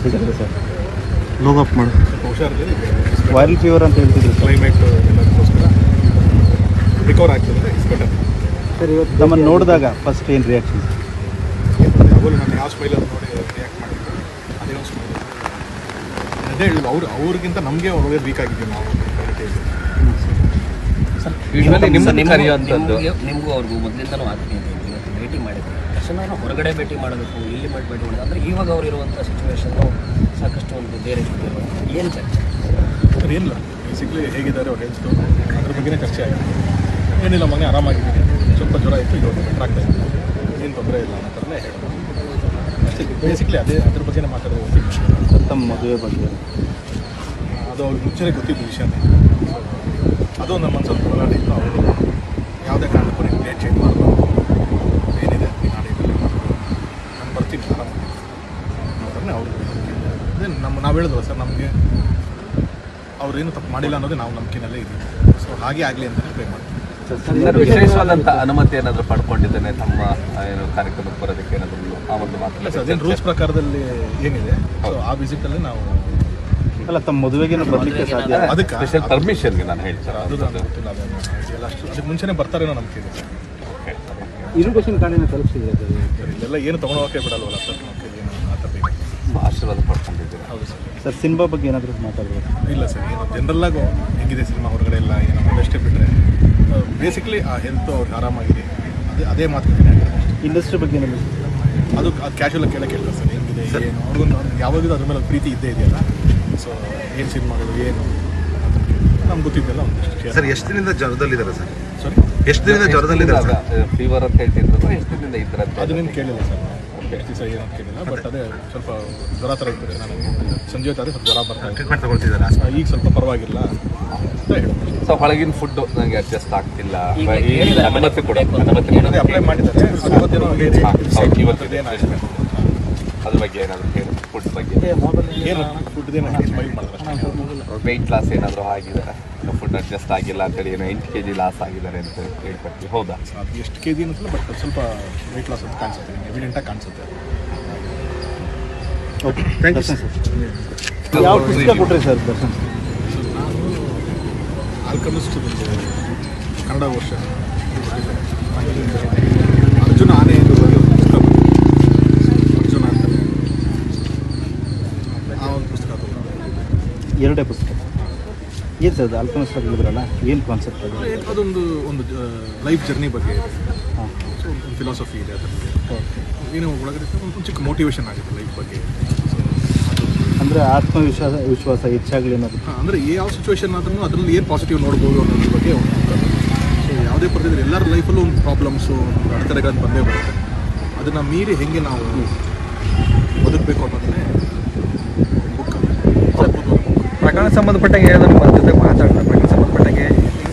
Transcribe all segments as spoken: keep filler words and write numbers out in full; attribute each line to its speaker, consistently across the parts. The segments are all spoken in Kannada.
Speaker 1: ಹೇಗಿದ್ರೆ ಸರ್
Speaker 2: ಲೋಗ್ ಅಪ್ ಮಾಡು
Speaker 3: ಹುಷಾರಿಲ್ಲ.
Speaker 1: ವೈರಲ್ ಫೀವರ್ ಅಂತ ಹೇಳ್ತಿದ್ರು ಸರ್.
Speaker 3: ಕ್ಲೈಮೇಟ್ ಎಲ್ಲದಕ್ಕೋಸ್ಕರ ರಿಕವರ್ ಆಗ್ತದೆ. It's better.
Speaker 1: ಸರ್ ಇವತ್ತು ನಮ್ಮನ್ನು ನೋಡಿದಾಗ ಫಸ್ಟ್ ಏನು ರಿಯಾಕ್ಷನ್?
Speaker 3: ಅವರು ನಾನು ಯಾವ ಸ್ಮೈಲಲ್ಲಿ ನೋಡಿ ರಿಯಾಕ್ಟ್ ಮಾಡಿದ್ರು ಅದೇ ಒಂದು ಸ್ಮೈಲ್. ಅದೇ ಹೇಳಿದ್ರು ಅವ್ರು ಅವ್ರಿಗಿಂತ ನಮಗೆ ಒಳ್ಳೆ ವೀಕ್ ಆಗಿದ್ದೀವಿ ನಾವು.
Speaker 4: ಸರ್ ಯೂಶ್ವಲಿ ನಿಮ್ಮನ್ನು ಕರೆಯುವಂಥದ್ದು ನಿಮಗೂ ಅವ್ರಿಗೂ ಮೊದಲಿಂದನೂ ಆಗ್ತೀನಿ ಇವತ್ತು ಭೇಟಿ ಮಾಡಿದ್ರು ತಕ್ಷಣ ಹೊರಗಡೆ ಭೇಟಿ ಮಾಡಬೇಕು, ಇಲ್ಲಿ ಮಾಡಿ ಭೇಟಿ ಮಾಡೋದು ಅಂದರೆ ಇವಾಗ ಅವ್ರು ಇರುವಂಥ ಸಿಚುವೇಶನ್ನು ಸಾಕಷ್ಟು ಒಂದು ಬೇರೆ ಏನು ಚರ್ಚೆ
Speaker 3: ಸರ್ ಏನಿಲ್ಲ, ಬೇಸಿಕ್ಲಿ ಹೇಗಿದ್ದಾರೆ ಅವ್ರ ಹೆಲ್ತು ಅದ್ರ ಬಗ್ಗೆನೇ ಚರ್ಚೆ ಆಗಿದೆ. ಏನಿಲ್ಲ ಮನೆ ಆರಾಮಾಗಿದ್ದೀನಿ, ಸ್ವಲ್ಪ ಜ್ವರ ಇತ್ತು, ಇವಾಗ ಬೆಟರ್ ಆಗ್ತಾ ಇತ್ತು, ಏನು ತೊಂದರೆ ಇಲ್ಲ ಅನ್ನೋ ಥರನೇ ಹೇಳೋದು ಅಷ್ಟೇ. ಬೇಸಿಕ್ಲಿ ಅದೇ ಅದ್ರ ಬಗ್ಗೆನೇ ಮಾತಾಡೋದು.
Speaker 1: ತಮ್ಮ ಮದುವೆ ಬಗ್ಗೆ
Speaker 3: ಅದು ಅವ್ರಿಗೆ ಮುಂಚೆನೇ ಗೊತ್ತಿದ್ದು ವಿಷಯನೇ. ಅದು ನಮ್ಮ ಮನಸ್ಸಲ್ಲಿ ಹೋರಾಟ ಇತ್ತು. ಅವರು ಯಾವುದೇ ಕಾರಣಕ್ಕೂ ನೀವು ಡೇಟ್ ಚೇಂಜ್ ಮಾಡಬಾರ್ದು, ಏನಿದೆ ನೀನು ಆಡೇಟಲ್ಲಿ ನಾನು ಬರ್ತೀನಿ ಆರಾಮಾಗಿ ಅನ್ನೋದನ್ನೇ ಅವರು. ಅದೇ ನಮ್ಮ ನಾವು ಹೇಳಿದ್ವಲ್ಲ ಸರ್, ನಮಗೆ ಅವ್ರೇನು ತಪ್ಪು ಮಾಡಿಲ್ಲ ಅನ್ನೋದೇ ನಾವು ನಂಬಿಕೆನಲ್ಲೇ ಇದ್ದೀವಿ. ಸೊ ಹಾಗೆ ಆಗಲಿ ಅಂತಲೇ ಪ್ರೇ ಮಾಡ್ತೀವಿ.
Speaker 4: ವಿಶೇಷವಾದಂಥ ಅನುಮತಿ ಏನಾದರೂ ಪಡ್ಕೊಂಡಿದ್ದೇನೆ ತಮ್ಮ ಏನು ಕಾರ್ಯಕ್ರಮಕ್ಕೆ ಬರೋದಕ್ಕೆ ಏನಾದರೂ ಆ ಒಂದು ಮಾತು?
Speaker 3: ಸರ್ ಅದೇನು ರೂಲ್ಸ್ ಪ್ರಕಾರದಲ್ಲಿ ಏನಿದೆ ಸೊ ಆ ವಿಸಿಟಲ್ಲಿ ನಾವು
Speaker 1: ಅಲ್ಲ ತಮ್ಮ ಮದುವೆಗೇನು ಬರಲಿಕ್ಕೆ ಸಾಧ್ಯ?
Speaker 3: ಅದಕ್ಕೆ
Speaker 4: ಸ್ಪೆಷಲ್ ಪರ್ಮಿಷನ್ಗೆ ನಾನು ಹೇಳ್ತೀನಿ
Speaker 3: ಅದು ನನಗೆ ಗೊತ್ತಿಲ್ಲ. ಅದನ್ನು ಎಲ್ಲ ಅಷ್ಟು ಅದಕ್ಕೆ ಮುಂಚೆನೇ ಬರ್ತಾರೇನೋ ನಂಬಿಕೆ ಇದೆ ಸರ್.
Speaker 1: ಇನ್ವಿಟೇಷನ್ ಕಾರ್ಡಿನ ತಲುಪಿಸಿದ್ರೆ
Speaker 3: ಸರ್ ಇಲ್ಲೆಲ್ಲ ಏನು ತೊಗೊಳೋಕೆ ಬಿಡಲ್ವಲ್ಲ ಸರ್, ನಮಗೆ ಏನು ಆ ಥರ ಬೇಕು.
Speaker 4: ಆಶೀರ್ವಾದ ಪಡ್ಕೊಂಡಿದ್ದೀರಾ?
Speaker 3: ಹೌದು ಸರ್.
Speaker 1: ಸರ್ ಸಿನಿಮಾ ಬಗ್ಗೆ ಏನಾದರೂ ಮಾತಾಡ್ಬೋದು?
Speaker 3: ಇಲ್ಲ ಸರ್, ಏನು ಜನರಲ್ಲಾಗು ಹೆಂಗಿದೆ ಸಿನಿಮಾ ಹೊರಗಡೆ ಎಲ್ಲ ಏನೋ ಒಂದಷ್ಟೇ ಬಿಟ್ಟರೆ ಬೇಸಿಕ್ಲಿ ಆ ಹೆಲ್ತು ಅವ್ರಿಗೆ ಆರಾಮಾಗಿದೆ, ಅದೇ ಅದೇ ಮಾತುಕತೆ ಅಷ್ಟೇ.
Speaker 1: ಇಂಡಸ್ಟ್ರಿ ಬಗ್ಗೆ ಏನಾದರೂ
Speaker 3: ಅದು ಅದು ಕ್ಯಾಶುವಲ್ ಕೇಳೋಕೆ ಕೇಳ್ತಾರೆ ಸರ್, ಹೆಂಗಿದೆ ಏನು ಅವ್ರಿಗೊಂದು ಯಾವಾಗಲೂ ಅದ್ರ ಮೇಲೆ ಪ್ರೀತಿ ಇದ್ದೇ ಇದೆಯಲ್ಲ. ಸೊ ಏನು ಸಿನಿಮಾಗಳು ಏನು ನಮ್ಗೆ ಗೊತ್ತಿದ್ದೆಲ್ಲ ಒಂದಷ್ಟು.
Speaker 2: ಸರ್ ಎಷ್ಟು ದಿನದಿಂದ ಜ್ವರದಲ್ಲಿದ್ದಾರೆ ಸರ್?
Speaker 3: ಸಾರಿ,
Speaker 2: ಎಷ್ಟು ದಿನದಿಂದ ಜ್ವರದಲ್ಲಿದ್ದಾರೆ?
Speaker 4: ಫೀವರ್ ಅಂತ ಹೇಳ್ತಿದ್ರು, ಎಷ್ಟು ದಿನದಿಂದ ಇದ್ರ
Speaker 3: ಅದು ನಿಮ್ಗೆ ಕೇಳಿಲ್ಲ ಸರ್, ಎಷ್ಟು ದಿವಸ ಏನಂತ ಕೇಳಿಲ್ಲ. ಬಟ್ ಅದೇ ಸ್ವಲ್ಪ ಜ್ವರ ಥರ ಇರ್ತದೆ. ನಾನು ಸಂಜೆ ಹೊತ್ತಾದ್ರೆ ಸ್ವಲ್ಪ ಜ್ವರ ಬರ್ತಾ ಇದೆ.
Speaker 2: ಟ್ರೀಟ್ಮೆಂಟ್ ತಗೊಳ್ತಿದ್ದಾರೆ
Speaker 3: ಈಗ ಸ್ವಲ್ಪ ಪರವಾಗಿಲ್ಲ ಅಂತ ಹೇಳ್ಬೋದು.
Speaker 4: ಸೊ ಹೊಳಗಿನ ಫುಡ್ ನನಗೆ ಅಡ್ಜಸ್ಟ್ ಆಗ್ತಿಲ್ಲ, ಅನುಮತಿ ಕೂಡ ಅನುಮತಿ
Speaker 3: ಅದೇ ಅಪ್ಲೈ ಮಾಡಿದ್ದಾರೆ. ಇವತ್ತೇನೋ ಇವತ್ತೇನು
Speaker 4: ಅದ್ರ ಬಗ್ಗೆ ಏನಾದರೂ ಹೇಳಿ, ಫುಡ್ ಬಗ್ಗೆ
Speaker 3: ಏನು ಫುಡ್ದೇನು ಸ್ಮೈಲ್ ಮಾಡಿದ್ರೆ
Speaker 4: ವೆಯ್ಟ್ ಲಾಸ್ ಏನಾದರೂ ಆಗಿದ್ದಾರೆ, ಫುಡ್ ಅಡ್ಜಸ್ಟ್ ಆಗಿಲ್ಲ ಅಂತೇಳಿ ಏನೋ ಎಂಟು ಕೆ ಜಿ ಲಾಸ್ ಆಗಿದ್ದಾರೆ ಅಂತ ಹೇಳ್ಕೊಡ್ತೀವಿ, ಹೌದಾ?
Speaker 3: ಅದು ಎಷ್ಟು ಕೆ ಜಿ ಅನ್ನಿಸಲ್ಲ, ಬಟ್ ಸ್ವಲ್ಪ ವೆಯ್ಟ್ ಲಾಸ್ ಅಂತ ಕಾಣಿಸುತ್ತೆ, ಎವಿಡೆಂಟಾಗಿ ಕಾಣಿಸುತ್ತೆ.
Speaker 1: Okay thank you sir. ಯಾವ ಪುಸ್ತಕ ಕೊಟ್ಟರೆ ಸರ್ ದರ್ಶನ್?
Speaker 3: ನಾನು ಆಲ್ಕಮಿಸ್ಟ್ ಕನ್ನಡ ವರ್ಷ ಅರ್ಜುನ ಆನೆ ಎಂದು ಬರೆಯೋ ಪುಸ್ತಕ, ಅರ್ಜುನ ಅಂತ ಆ ಒಂದು ಪುಸ್ತಕ ತಗೊಂಡು.
Speaker 1: ಎರಡೇ ಪುಸ್ತಕ ಏನು ಸರ್ ಅದು? ಆಲ್ಕಮಿಸ್ಟ್ ಹೇಳಿದ್ರಲ್ಲ, ಏನು ಕಾನ್ಸೆಪ್ಟ್ ಅದು?
Speaker 3: ಅದೊಂದು ಒಂದು ಲೈಫ್ ಜರ್ನಿ ಬಗ್ಗೆ ಇದೆ.
Speaker 1: ಹಾಂ,
Speaker 3: ಸೊ ಒಂದು ಫಿಲಾಸಫಿ ಇದೆ ಅದರಲ್ಲಿ. ಏನು ಒಳಗಡೆ ಒಂದು ಚಿಕ್ಕ ಮೋಟಿವೇಶನ್ ಆಗುತ್ತೆ ಲೈಫ್ ಬಗ್ಗೆ.
Speaker 1: ಅಂದರೆ ಆತ್ಮವಿಶ್ವಾಸ ವಿಶ್ವಾಸ ಹೆಚ್ಚಾಗಲಿ ಅನ್ನೋದು.
Speaker 3: ಹಾಂ, ಅಂದರೆ ಯಾವ ಸಿಚುವೇಶನ್ ಆದ್ರೂ ಅದರಲ್ಲಿ ಏನು ಪಾಸಿಟಿವ್ ನೋಡ್ಬೋದು ಅನ್ನೋದ್ರ ಬಗ್ಗೆ ಒಂದು. ಸೊ ಯಾವುದೇ ಪರಿಸ್ಥಿತಿ ಎಲ್ಲರ ಲೈಫಲ್ಲೂ ಒಂದು ಪ್ರಾಬ್ಲಮ್ಸು, ಒಂದು ಅಡೆತಡೆಗಳನ್ನು ಬಂದೇ ಬರುತ್ತೆ. ಅದನ್ನು ಮೀರಿ ಹೆಂಗೆ ನಾವು ಬದುಕಬೇಕು ಅನ್ನೋದನ್ನೇ ಬುಕ್.
Speaker 5: ಪ್ರಕರಣ ಸಂಬಂಧಪಟ್ಟಂಗೆ ಏನಾದರೂ ನಮ್ಮ ಜೊತೆ ಮಾತಾಡೋಣ. ಪ್ರಕರಣ ಸಂಬಂಧಪಟ್ಟಂಗೆ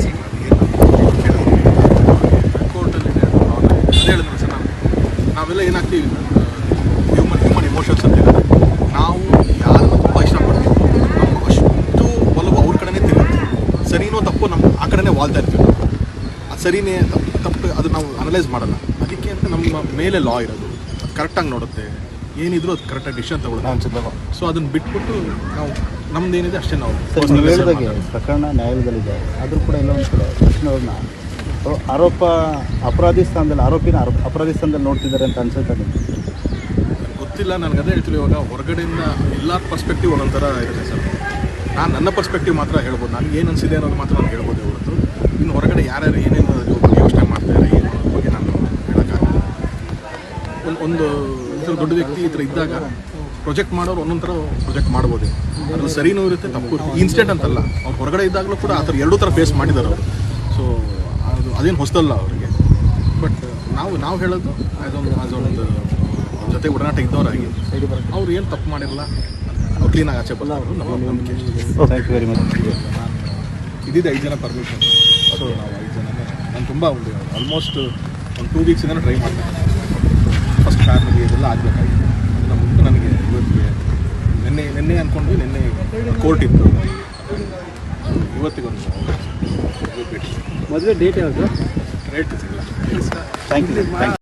Speaker 3: ಕೋರ್ಟಲ್ಲಿದೆ ಅದೇ ಹೇಳಿದ್ರು ಸರ್. ನಾವು ನಾವೆಲ್ಲ ಏನಾಗ್ತೀವಿ, ಹ್ಯೂಮನ್ ಹ್ಯೂಮನ್ ಇಮೋಷನ್ಸ್ ಅಂತ ಹೇಳಿದ್ರೆ ನಾವು ಯಾರನ್ನು ತುಂಬ ಇಷ್ಟಪಡ್ತೀವಿ, ನಮ್ಮ ಅಷ್ಟು ಒಲವು ಅವ್ರ ಕಡೆನೇ ತಿರುಗುತ್ತೆ. ಸರಿನೋ ತಪ್ಪು ನಮ್ಮ ಆ ಕಡೆನೇ ವಾಲ್ತಾ ಇರ್ತೀವಿ. ಅದು ಸರಿನೇ ತಪ್ಪು ತಪ್ಪು ಅದು ನಾವು ಅನಲೈಸ್ ಮಾಡಲ್ಲ. ಅದಕ್ಕೆ ಅಂತ ನಮ್ಮ ಮೇಲೆ ಲಾ ಇರೋದು, ಅದು ಕರೆಕ್ಟಾಗಿ ನೋಡುತ್ತೆ, ಏನಿದ್ರು ಅದು ಕರೆಕ್ಟಾಗಿ ಡಿಸಿಷನ್ ತಗೊಳ್ಳೋದು. ಸೊ ಅದನ್ನು ಬಿಟ್ಬಿಟ್ಟು ನಾವು ನಮ್ದು ಏನಿದೆ ಅಷ್ಟೇ ನಾವು.
Speaker 1: ಸರ್ ನೀವು ಹೇಳಿದಾಗೆ ಪ್ರಕರಣ ನ್ಯಾಯಾಲಯದಲ್ಲಿದೆ, ಆದರೂ ಕೂಡ ಎಲ್ಲ ಒಂದು ಕಡೆ ತಕ್ಷಣ ಅವ್ರನ್ನ ಆರೋಪ ಅಪರಾಧಿ ಸ್ಥಾನದಲ್ಲಿ ಆರೋಪಿನ ಆರೋಪ ಅಪರಾಧಿ ಸ್ಥಾನದಲ್ಲಿ ನೋಡ್ತಿದ್ದಾರೆ ಅಂತ ಅನ್ಸುತ್ತೆ ನಿಮಗೆ?
Speaker 3: ಗೊತ್ತಿಲ್ಲ, ನನಗೆ ಅದೇ ಹೇಳ್ತೀವಿ. ಇವಾಗ ಹೊರಗಡೆಯಿಂದ ಎಲ್ಲ ಪರ್ಸ್ಪೆಕ್ಟಿವ್ ಒಂದೊಂಥರ ಇರುತ್ತೆ ಸರ್. ನಾನು ನನ್ನ ಪರ್ಸ್ಪೆಕ್ಟಿವ್ ಮಾತ್ರ ಹೇಳ್ಬೋದು, ನನಗೆ ಏನು ಅನಿಸಿದೆ ಅನ್ನೋದು ಮಾತ್ರ ನಾನು ಹೇಳ್ಬೋದು ಹೊರತು ಇನ್ನು ಹೊರಗಡೆ ಯಾರ್ಯಾರು ಏನೇನು ಬಗ್ಗೆ ಯೋಚನೆ ಮಾಡ್ತಾರೆ ಏನು ಅನ್ನೋದ್ರ ಬಗ್ಗೆ ನಾನು ಹೇಳೋಕ್ಕಾಗಲ್ಲ. ಒಂದು ಒಂದು ಈ ಥರ ದೊಡ್ಡ ವ್ಯಕ್ತಿ ಈ ಥರ ಇದ್ದಾಗ ಪ್ರೊಜೆಕ್ಟ್ ಮಾಡೋರು ಒಂದೊಂದು ಥರ ಪ್ರೊಜೆಕ್ಟ್ ಮಾಡ್ಬೋದು. ಅದ್ರಲ್ಲಿ ಸರಿನೂ ಇರುತ್ತೆ, ತಪ್ಪು ಇರುತ್ತೆ. ಇನ್ಸ್ಟೆಂಟ್ ಅಂತಲ್ಲ, ಅವ್ರು ಹೊರಗಡೆ ಇದ್ದಾಗಲೂ ಕೂಡ ಆ ಥರ ಎರಡೂ ಥರ ಫೇಸ್ ಮಾಡಿದ್ದಾರೆ ಅವರು. ಸೊ ಅದು ಅದೇನು ಹೊಸದಲ್ಲ ಅವರಿಗೆ. ಬಟ್ ನಾವು ನಾವು ಹೇಳೋದು ಅದೊಂದು ಅದೊಂದು ಜೊತೆ ಒಡನಾಟ ಇದ್ದವರಾಗಿ ಅವ್ರು ಏನು ತಪ್ಪು ಮಾಡಿರಲ್ಲ, ಅವ್ರು ಕ್ಲೀನಾಗಿ ಆಚೆ ಬರೋರು ನಮ್ಮ ನಂಬಿಕೆ.
Speaker 1: Thank you very much.
Speaker 3: ನಾನು ಇದ್ದಿದ್ದು ಐದು ಜನ ಪರ್ಮಿಷನ್. ಸೊ ನಾವು ಐದು ಜನನೇ ನಾನು ತುಂಬ ಒಂದು ಆಲ್ಮೋಸ್ಟ್ ಒಂದು ಟೂ ವೀಕ್ಸಿಂದ ಟ್ರೈ ಮಾಡ್ತೀನಿ. ಫಸ್ಟ್ ಫ್ಯಾಮಿಲಿ ಇದೆಲ್ಲ ಆಗಬೇಕಾಗಿತ್ತು. ಅದನ್ನು ಮುಂದೆ ನನಗೆ ಇವತ್ತಿಗೆ ನಿನ್ನೆ ನಿನ್ನೆ ಅಂದ್ಕೊಂಡ್ವಿ, ನಿನ್ನೆ ಕೋರ್ಟ್ ಇತ್ತು, ಇವತ್ತಿಗೊಂದು
Speaker 1: ಮದುವೆ ಡೇಟ್ ಯಾವುದು?
Speaker 3: ರೇಟ್ ಸಿಗಲ್ಲ.
Speaker 1: Thank you.